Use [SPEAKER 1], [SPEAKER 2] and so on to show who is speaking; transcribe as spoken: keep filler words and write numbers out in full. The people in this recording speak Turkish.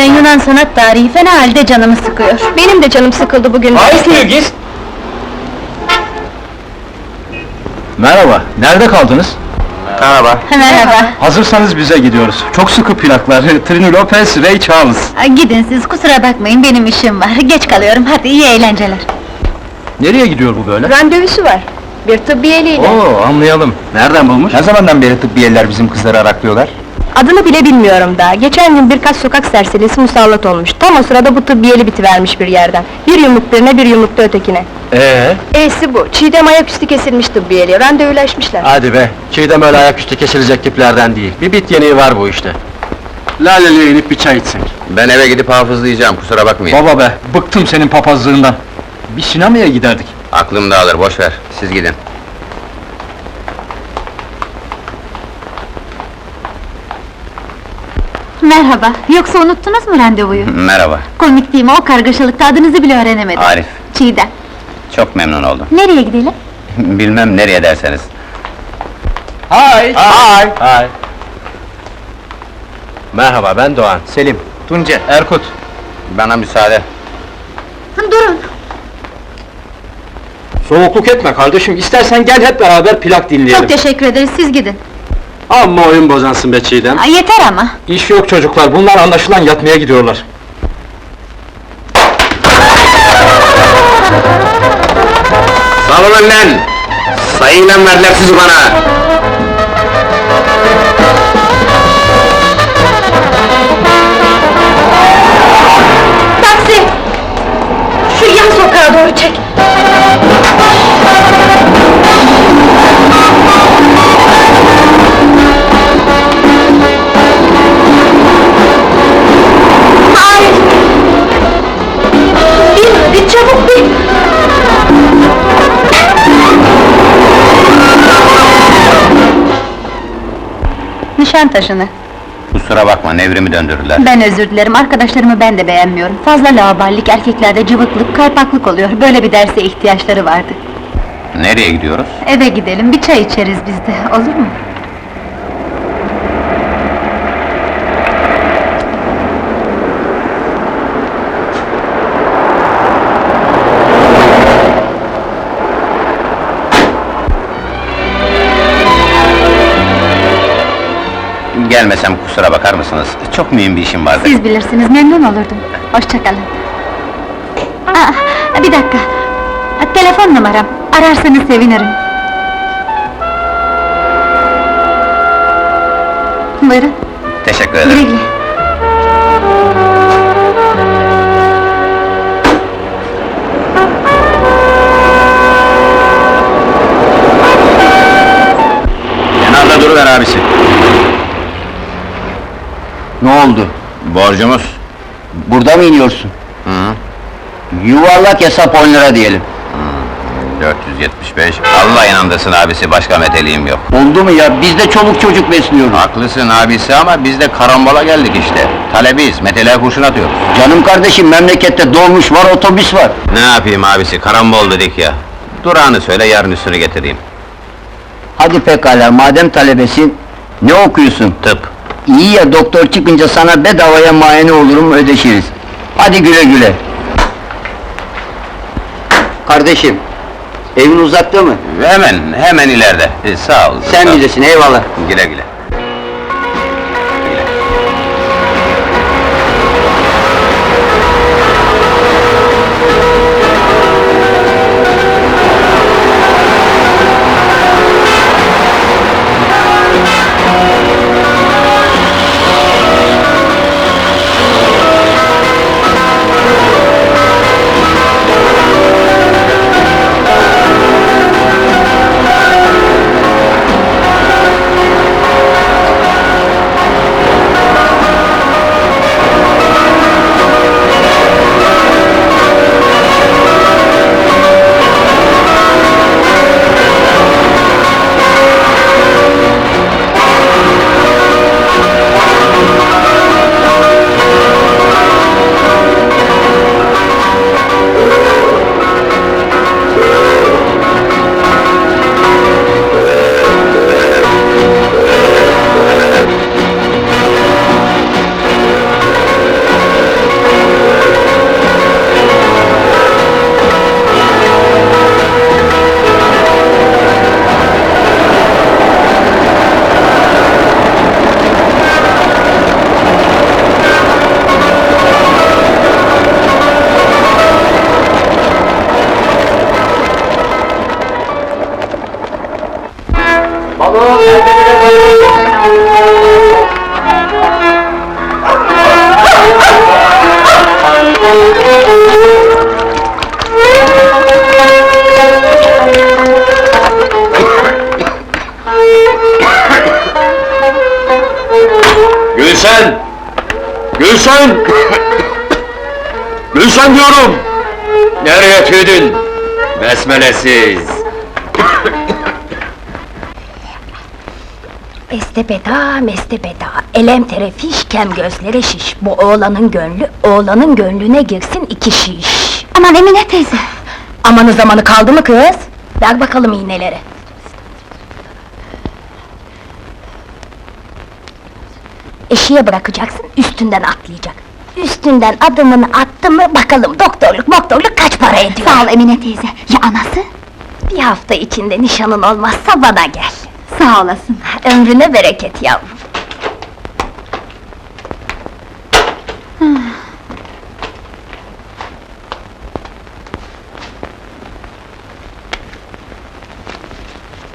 [SPEAKER 1] Eskiden Yunan sanat tarihi fena halde canımı sıkıyor. Benim de canım sıkıldı bugün.
[SPEAKER 2] Hayır Gis! Merhaba, nerede kaldınız?
[SPEAKER 3] Merhaba.
[SPEAKER 1] Merhaba.
[SPEAKER 2] Hazırsanız bize gidiyoruz. Çok sıkı plaklar, Trini Lopez, Ray Charles.
[SPEAKER 1] Gidin siz, kusura bakmayın, benim işim var. Geç kalıyorum, hadi iyi eğlenceler.
[SPEAKER 2] Nereye gidiyor bu böyle?
[SPEAKER 1] Randevusu var. Bir tıbbiyeliyle.
[SPEAKER 2] Oo, anlayalım. Nereden bulmuş?
[SPEAKER 3] Ne zamandan beri tıbbiyeler bizim kızları araklıyorlar?
[SPEAKER 4] Adını bile bilmiyorum daha. Geçen gün birkaç sokak serserisi musallat olmuş. Tam o sırada bu tıbbiyeli bitivermiş bir yerden. Bir yumruk birine, bir yumruk da ötekine.
[SPEAKER 2] Ee,
[SPEAKER 4] E'si bu. Çiğdem ayaküstü kesilmiş tıbbiyeliye. Randevulaşmışlar.
[SPEAKER 2] hadi be, Çiğdem öyle ayaküstü kesilecek tiplerden değil. Bir bit yeniği var bu işte. Laleli'ye inip bir çay içsek.
[SPEAKER 3] Ben eve gidip hafızlayacağım, kusura bakmayın.
[SPEAKER 2] Baba be, bıktım senin papazlığından. Bir sinemaya giderdik.
[SPEAKER 3] Aklım dağılır, boş ver, siz gidin.
[SPEAKER 1] Merhaba, yoksa unuttunuz mu randevuyu?
[SPEAKER 3] Merhaba,
[SPEAKER 1] Komik değil mi, o kargaşalıkta adınızı bile öğrenemedim.
[SPEAKER 3] Arif.
[SPEAKER 1] Çiğdem.
[SPEAKER 3] Çok memnun oldum.
[SPEAKER 1] Nereye gidelim?
[SPEAKER 3] Bilmem nereye derseniz.
[SPEAKER 2] Hay!
[SPEAKER 3] Hay!
[SPEAKER 2] Hay! Merhaba, ben Doğan.
[SPEAKER 3] Selim, Tunca.
[SPEAKER 2] Erkut.
[SPEAKER 3] Bana müsaade.
[SPEAKER 1] Durun!
[SPEAKER 2] Soğukluk etme kardeşim, istersen gel hep beraber plak dinleyelim.
[SPEAKER 1] Çok teşekkür ederiz, siz gidin.
[SPEAKER 2] Amma oyun bozansın be Çiğdem.
[SPEAKER 1] Aa, yeter ama!
[SPEAKER 2] İş yok çocuklar, bunlar anlaşılan yatmaya gidiyorlar.
[SPEAKER 3] Salın lan! Sayıyla verdiler sizi bana!
[SPEAKER 1] Taksi! Şu yan sokağa doğru çek! Hayır! Bin, bin çabuk bin! Nişantaşı'nı.
[SPEAKER 3] Kusura bakma, nevrimi döndürdüler.
[SPEAKER 1] Ben özür dilerim, arkadaşlarımı ben de beğenmiyorum. Fazla laubalilik, erkeklerde cıvıklık, kaypaklık oluyor. Böyle bir derse ihtiyaçları vardı.
[SPEAKER 3] Nereye gidiyoruz?
[SPEAKER 1] Eve gidelim, bir çay içeriz biz de, olur mu?
[SPEAKER 3] Gelmesem kusura bakar mısınız? Çok mühim bir işim vardı.
[SPEAKER 1] Siz bilirsiniz, memnun olurdum. Hoşça kalın. Aa, bir dakika. Telefon numaram, ararsanız sevinirim. Buyurun,
[SPEAKER 3] Teşekkür
[SPEAKER 1] güle
[SPEAKER 3] ederim.
[SPEAKER 1] güle.
[SPEAKER 3] Kenarda duruver abisi.
[SPEAKER 5] Ne oldu?
[SPEAKER 3] Borcumuz.
[SPEAKER 5] Burada mı iniyorsun?
[SPEAKER 3] Hı.
[SPEAKER 5] Yuvarlak hesap on lira diyelim.
[SPEAKER 3] dört yüz yetmiş beş. Allah inandırsın abisi, başka meteliğim yok.
[SPEAKER 5] Oldu mu ya? Biz de çoluk çocuk besliyoruz.
[SPEAKER 3] Haklısın abisi ama biz de karambola geldik işte. Talebiyiz, meteliğe kurşun atıyoruz.
[SPEAKER 5] Canım kardeşim, memlekette dolmuş var, otobüs var.
[SPEAKER 3] Ne yapayım abisi, karambol dedik ya. Durağını söyle, yarın üstünü getireyim.
[SPEAKER 5] Hadi pekala, madem talebesin, ne okuyorsun?
[SPEAKER 3] Tıp.
[SPEAKER 5] İyi ya, doktor çıkınca sana bedavaya muayene olurum, ödeşiriz. Hadi güle güle. Kardeşim, evin uzakta mı?
[SPEAKER 3] Hemen, hemen ileride. Ee, sağ ol.
[SPEAKER 5] Sen
[SPEAKER 3] sağ ol.
[SPEAKER 5] bilirsin, eyvallah.
[SPEAKER 3] Güle güle.
[SPEAKER 2] Gülsen! Gülsen! Gülsen diyorum! Nereye tüydün? Besmelesiz!
[SPEAKER 6] Estepeda, mestepeda, elem terefiş, kem gözlere şiş. Bu oğlanın gönlü, oğlanın gönlüne girsin iki şiş.
[SPEAKER 1] Aman Emine teyze!
[SPEAKER 6] Amanı zamanı kaldı mı kız? Ver bakalım iğneleri. Eşiğe bırakacaksın, üstünden atlayacak. Üstünden adımını attı mı, bakalım doktorluk moktorluk kaç para ediyor?
[SPEAKER 1] Sağ ol Emine teyze, ya anası?
[SPEAKER 6] Bir hafta içinde nişanın olmazsa bana gel.
[SPEAKER 1] Sağ olasın.
[SPEAKER 6] Ömrüne bereket yavrum.